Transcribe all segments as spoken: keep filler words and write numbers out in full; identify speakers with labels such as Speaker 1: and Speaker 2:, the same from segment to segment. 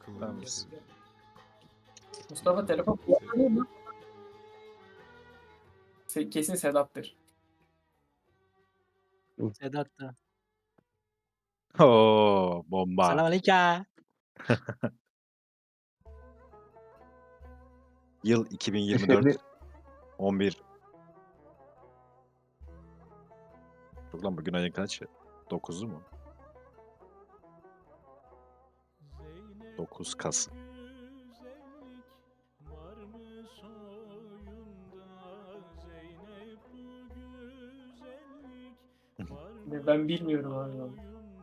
Speaker 1: Tamam.
Speaker 2: Mustafa telefon kullanıyor mu? Se- Kesin Sedat'tır.
Speaker 3: Sedat da.
Speaker 1: Oo, bomba.
Speaker 3: Selamünaleyküm.
Speaker 1: Yıl iki bin yirmi dört on bir. Yok lan bugün ayın kaçı? dokuzu mu? dokuz Kasım.
Speaker 2: Ben bilmiyorum abi. onu.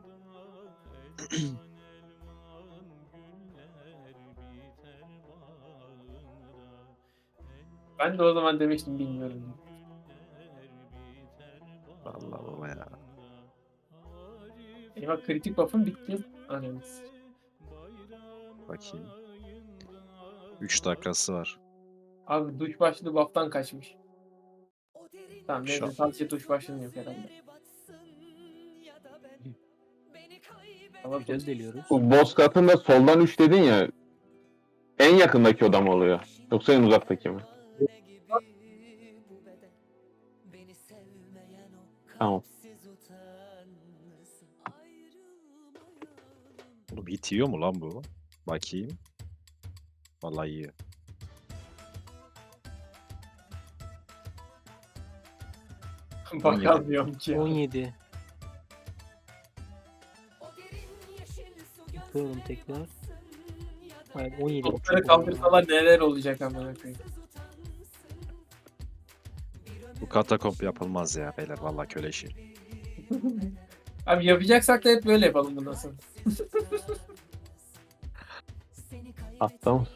Speaker 2: Ben de o zaman demiştim bilmiyorum. diye.
Speaker 1: Vallahi baba ya.
Speaker 2: Eyvah kritik buff'ım bitti. Anladınız.
Speaker 1: Bakayım. üç dakikası var.
Speaker 2: Abi duş başlığı buff'tan kaçmış. Tamam
Speaker 1: Şap.
Speaker 2: neyse sadece duş başlığını yok herhalde. Ama
Speaker 3: Göz deliyoruz.
Speaker 4: Bu boss katında soldan üç dedin ya. En yakındaki oda mı oluyor? Yoksa en uzaktaki mi? Tamam.
Speaker 1: Oğlum hit yiyor mu lan bu? Bakayım. Vallahi yiyor.
Speaker 2: bakamıyorum ki.
Speaker 3: on
Speaker 2: Ya.
Speaker 3: yedi. Yapıyorum tekrar. Hayır on yedi.
Speaker 2: Topları kaldırsalar neler olacak amına koyayım.
Speaker 1: Bu katakomp yapılmaz ya beyler. Vallahi köle işi.
Speaker 2: Abi yapacaksak da hep böyle yapalım bundan sonra.
Speaker 4: Hatta mı?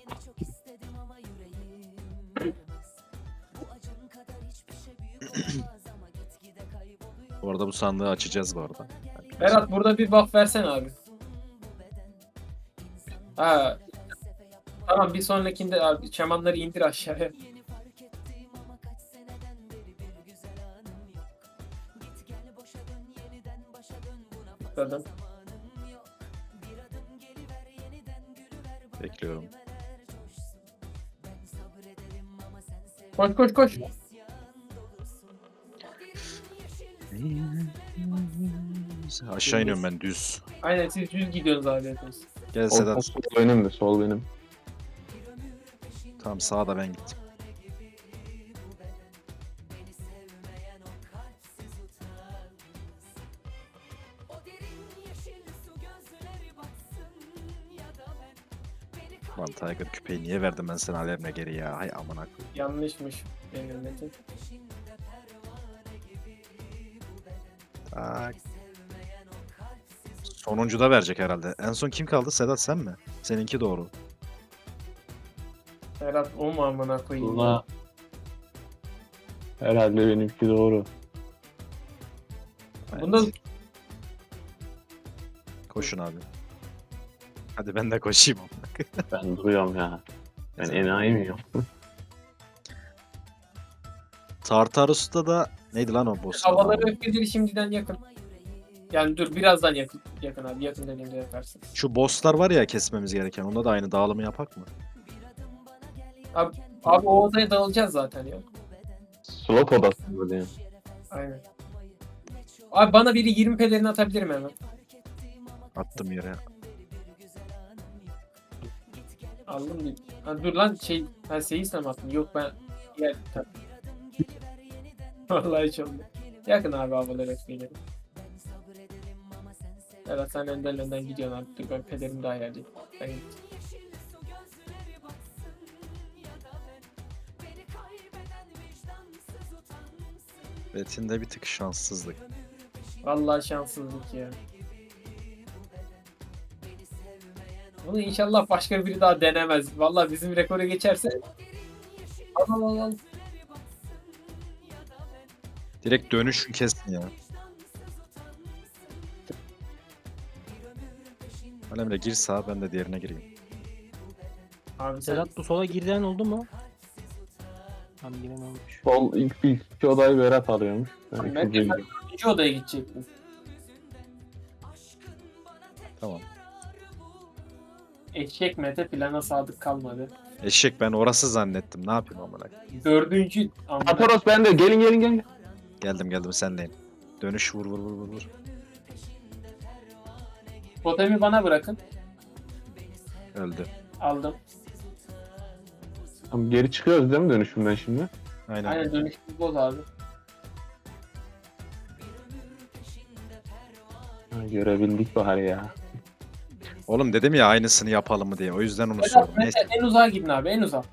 Speaker 1: Bu arada bu sandığı açacağız bu arada.
Speaker 2: Berat burada bir buff versene abi. Ha. Tamam bir sonrakinde abi çamanları indir aşağıya. Tıkladım.
Speaker 1: Bekliyorum.
Speaker 2: Koş koş koş.
Speaker 1: Aşağı iniyorum ben düz.
Speaker 2: Aynen siz düz gidiyorsunuz abi hepiniz.
Speaker 1: Gel
Speaker 4: Sol,
Speaker 1: Sedat.
Speaker 4: sol benim de sol benim.
Speaker 1: Tamam sağda ben gittim. Lan Tiger küpeyi niye verdim ben sana Alem'le geri ya? Hay amına koyayım.
Speaker 2: Yanlışmış benim metin.
Speaker 1: Tak. Sonuncu da verecek herhalde. En son kim kaldı? Sedat sen mi? Seninki doğru.
Speaker 2: Berat o mu amına koyayım?
Speaker 4: Buna herhalde benimki doğru.
Speaker 1: Evet.
Speaker 2: Bunda
Speaker 1: Koşun abi. Hadi ben de koşayım.
Speaker 4: Ben duruyorum ya. Ben enayi miyim?
Speaker 1: Tartarus'ta da neydi lan o boss?
Speaker 2: havaları öfkeleri şimdiden yakın. Yani dur birazdan yakın, yakın abi. Yakın dediğimde yaparsın.
Speaker 1: Şu bosslar var ya kesmemiz gereken. Onda da aynı dağılımı yapak mı?
Speaker 2: Abi, abi o odaya dağılacağız zaten ya.
Speaker 4: Slot odası böyle yani.
Speaker 2: Aynen. Abi bana biri yirmi pelerini atabilirim hemen.
Speaker 1: Attım yere.
Speaker 2: Aldım değil. Ha, dur lan şey, ben seyisle mi attım? Yok ben yer tabii. Vallahi hiç oldu. Yakın abi havaları öfkeleri. Evet sen önden önden gidiyorsun abi. Dur ben pelerim daha yerdeyim. Ben gittim.
Speaker 1: Betinde bir tık şanssızlık.
Speaker 2: Vallahi şanssızlık ya. Bunu inşallah başka biri daha denemez. Vallahi bizim rekoru geçerse. Al al al al.
Speaker 1: Direkt dönüşün kesin ya. Alemre gir sağa ben de diğerine gireyim.
Speaker 2: Abi sen
Speaker 3: Sedat bu sola girden oldu mu? Tam giren olmuş.
Speaker 4: Sol ilk, ilk iki odayı Berat alıyormuş. Ben
Speaker 2: Ben
Speaker 4: ikinciye
Speaker 2: de-
Speaker 4: gidiyorum.
Speaker 2: ikinci odaya gidecektim.
Speaker 1: Tamam.
Speaker 2: Eşek Mete plana sadık kalmadı.
Speaker 1: Eşek ben orası zannettim. Ne yapayım amına?
Speaker 2: Dördüncü amına.
Speaker 4: Ataros bende. Gelin gelin gelin.
Speaker 1: Geldim geldim senleyim. Dönüş vur vur vur vur vur.
Speaker 2: Totemi bana bırakın.
Speaker 1: Öldü.
Speaker 2: Aldım.
Speaker 4: Tamam, geri çıkıyoruz değil mi dönüşümden şimdi?
Speaker 1: Aynen.
Speaker 2: Aynen dönüşümüz boz abi.
Speaker 4: Ha, görebildik bari ya.
Speaker 1: Oğlum dedim ya aynısını yapalım mı diye. O yüzden onu
Speaker 2: Vedat,
Speaker 1: sordum.
Speaker 2: Mete
Speaker 1: Neyse.
Speaker 2: en uzağa gidin abi en uzağa.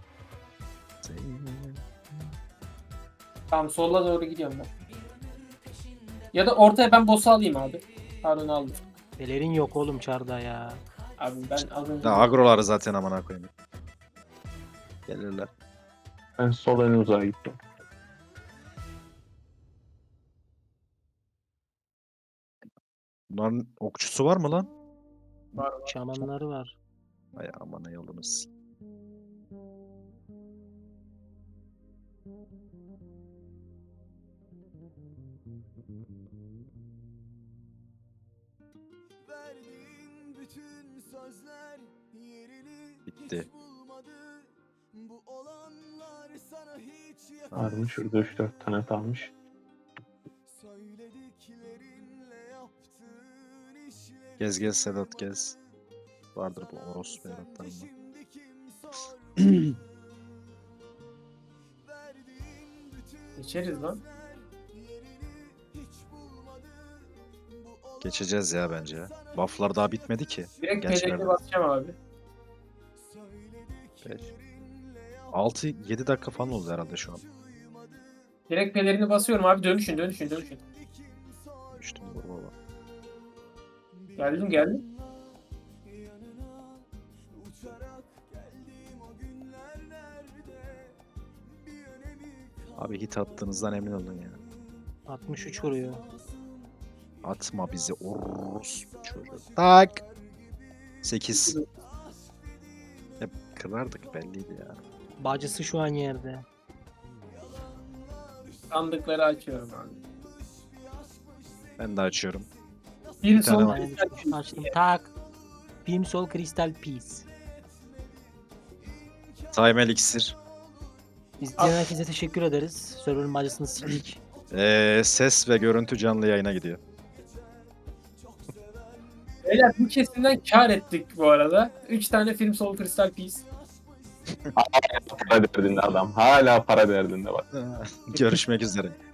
Speaker 2: Tamam sola doğru gidiyorum ben. Ya da ortaya ben boss'u alayım abi. Pardon aldım.
Speaker 3: Pelerin yok oğlum çarda ya.
Speaker 2: Abi ben az önce...
Speaker 1: Ya agroları zaten amına koyayım. Gelirler.
Speaker 4: Ben sol en uzağa gittim.
Speaker 1: Bunların okçusu var mı lan?
Speaker 2: Var, var.
Speaker 3: Şamanları var.
Speaker 1: Ay amına yolunuz.
Speaker 5: Verdiğin bütün sözler yerini
Speaker 1: Bitti.
Speaker 5: hiç bulmadı. Bu olanlar sana hiç
Speaker 4: Varmış şurada üç dört tane kalmış.
Speaker 5: söylediklerinle yaptığın işleri
Speaker 1: Gez gez Sedat gez. Vardır bu orospu yaratlarında.
Speaker 5: şimdi kim sordu? Verdiğin bütün
Speaker 2: İçeriz lan.
Speaker 5: yerini hiç bulmadı. Bu
Speaker 1: Geçeceğiz ya bence ya. Buff'lar daha bitmedi ki.
Speaker 2: Direkt
Speaker 1: Gençler
Speaker 2: pelerini
Speaker 1: de-
Speaker 2: basacağım abi.
Speaker 1: altı yedi dakika falan oldu herhalde şu an.
Speaker 2: Direkt pelerini basıyorum abi. Dönüşün dönüşün dönüşün.
Speaker 1: Düştüm vur baba.
Speaker 2: Geldim geldim.
Speaker 1: Abi hit attığınızdan emin olun ya.
Speaker 3: altmış üç vuruyor.
Speaker 1: Atma bizi orospu çocuğu. Tak. sekiz. Hep kırardık belliydi ya.
Speaker 3: Bacısı şu an yerde.
Speaker 2: Sandıkları açıyorum abi.
Speaker 1: Ben de açıyorum.
Speaker 2: Bir
Speaker 1: tane
Speaker 2: son
Speaker 1: var.
Speaker 3: Ben açtım. Tak. Film Sol Crystal Peace.
Speaker 1: Time Elixir.
Speaker 3: İzleyen herkese teşekkür ederiz. Server'ın bacısını sildik.
Speaker 1: Ee, ses ve görüntü canlı yayına gidiyor.
Speaker 2: Beyler bu kesimden kar ettik bu arada. üç tane film Soul Crystal Peace.
Speaker 4: Para derdinde adam. Hala para derdinde bak.
Speaker 1: Görüşmek üzere.